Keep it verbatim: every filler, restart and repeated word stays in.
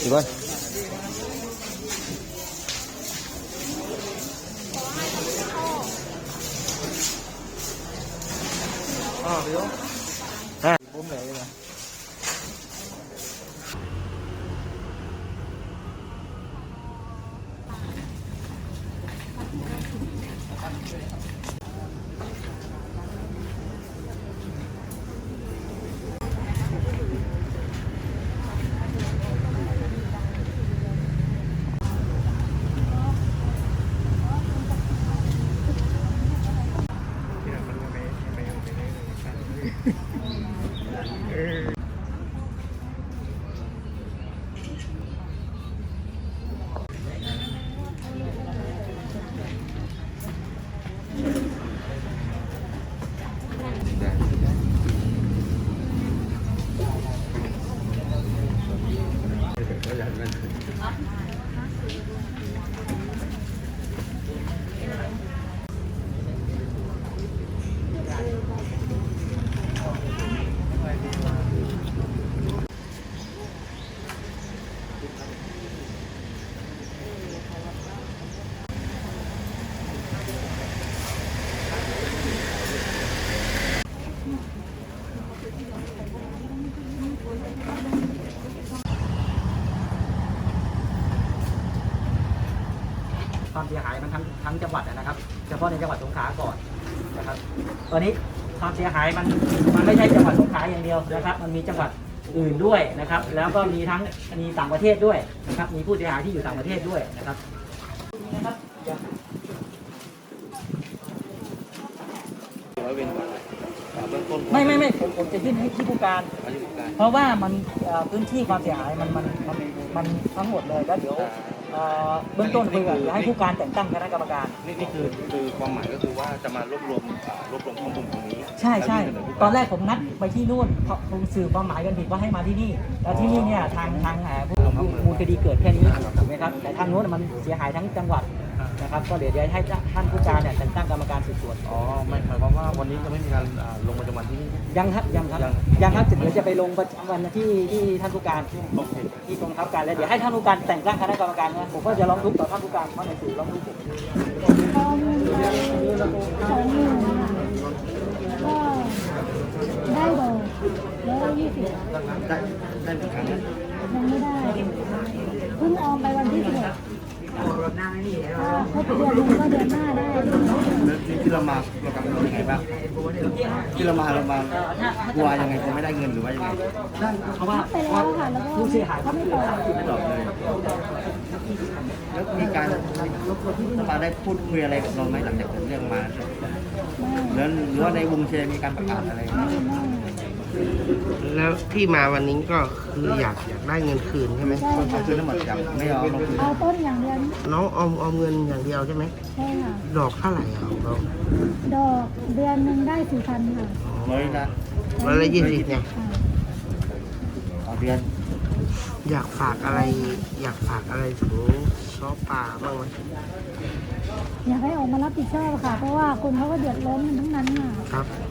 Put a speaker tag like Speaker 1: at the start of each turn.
Speaker 1: đi coi. À, biết không? À, bố mẹ đây nè.ความเสียหายมันทั้งทั้งจังหวัดนะครับเฉพาะในจังหวัดสงขลาก่อนนะครับตอนนี้ความเสียหายมันมันไม่ใช่จังหวัดสงขลาอย่างเดียวนะครับมันมีจังหวัดอื่นด้วยนะครับแล้วก็มีทั้งมีต่างประเทศด้วยนะครับมีผู้เสียหายที่อยู่ต่างประเทศด้วยนะครับนะครับไม่ไม่ไม่ผมผมจะยื่นให้ที่ผู้การเพราะว่ามันพื้นที่ความเสียหายมันมันมันมันทั้งหมดเลยแล้วเดี๋ยวเบื้องต้นคือจะให้ผู้การแต่งตั้งคณะกรรมการ
Speaker 2: นี่นี่คือคือความหมายก็คือว่าจะมารวบรวมรวบรวมข้อมูลตรงนี้
Speaker 1: ใช่ใช่ตอนแรกผมนัดไปที่นู่นเขาสื่อความหมายกันผิดว่าให้มาที่นี่แล้วที่นี่เนี่ยทางทางผู้มูลคดีเกิดแค่นี้ถูกไหมครับแต่ทางโน้นมันเสียหายทั้งจังหวัดนะครับก็เดี๋ยวจะให้ท่านผู้การเนี่ยแต่งตั้งกรรมการสืบสวน
Speaker 2: อ๋อไม่หมายความว่าวันนี้จะไม่มีการลงประจำวันที่นี่
Speaker 1: ยังครับยังครับยังครับเดี๋ยวจะไปลงประจำวันที่ที่ท่านผู้การที่กองทัพการแล้วเดี๋ยวให้ท่านผู้การแต่งตั้งคณะกรรมการนะผมก็จะร้องทุกข์ต่อท่านผู้การเพราะในสื่อร้องทุกข์ผม
Speaker 3: ข้อมูลสองหมื่นก็ได้ดอกร้อยยี่สิบ
Speaker 2: ได้ได้เป็นครั้ง
Speaker 3: ยังไม่ได้เพิ่งออมไปวันที่สิบเอ็ดครบเดือนนึงก็เดือนหน้าได้
Speaker 2: แล้วที่เรามาเรากำลังยังไงบ้างที่เรามาเรามากลัวยังไงจะไม่ได้เงินหรือว่ายังไง
Speaker 1: เพราะว่า
Speaker 3: ไปแล้วค่ะแล้วก็
Speaker 1: ผู้เสียหาย
Speaker 3: เขาไม่ตอบ
Speaker 2: ไม่ตอบเลยแล้วมีการสภาได้พูดคุยอะไรกับเราไหมหลังจากเกิดเรื่องมาแล้วหรือว่าในวงเชียร์มีการประกาศอะไร
Speaker 4: แล้วที่มาวันนี้ก็คืออยากอยากได้เงินคืนใช่ไหม
Speaker 2: เอาคืนทั้งหมดจับไม่เอาลงคืน
Speaker 3: เอาต้นอย่างเดียว
Speaker 4: น้องออมออมเงินอย่างเดียวใช่ไหม
Speaker 3: ใช่ค่ะ
Speaker 4: ดอกเท่าไหร่อ่ะเรา
Speaker 3: ดอกเดือนหนึ่งได้สี่พันค่ะ
Speaker 2: ร้อยละ
Speaker 4: ร้อยละยี่สิบเนี่ย
Speaker 2: ต่อเดือน
Speaker 4: อยากฝากอะไรอยากฝากอะไรถึงซ้อป่าบ้างไหม
Speaker 3: อยากให้ออกมารับผิดชอบค่ะเพราะว่าคนเขาก็เดือดร้อนกันทั้งนั้นค่ะ
Speaker 4: ครับ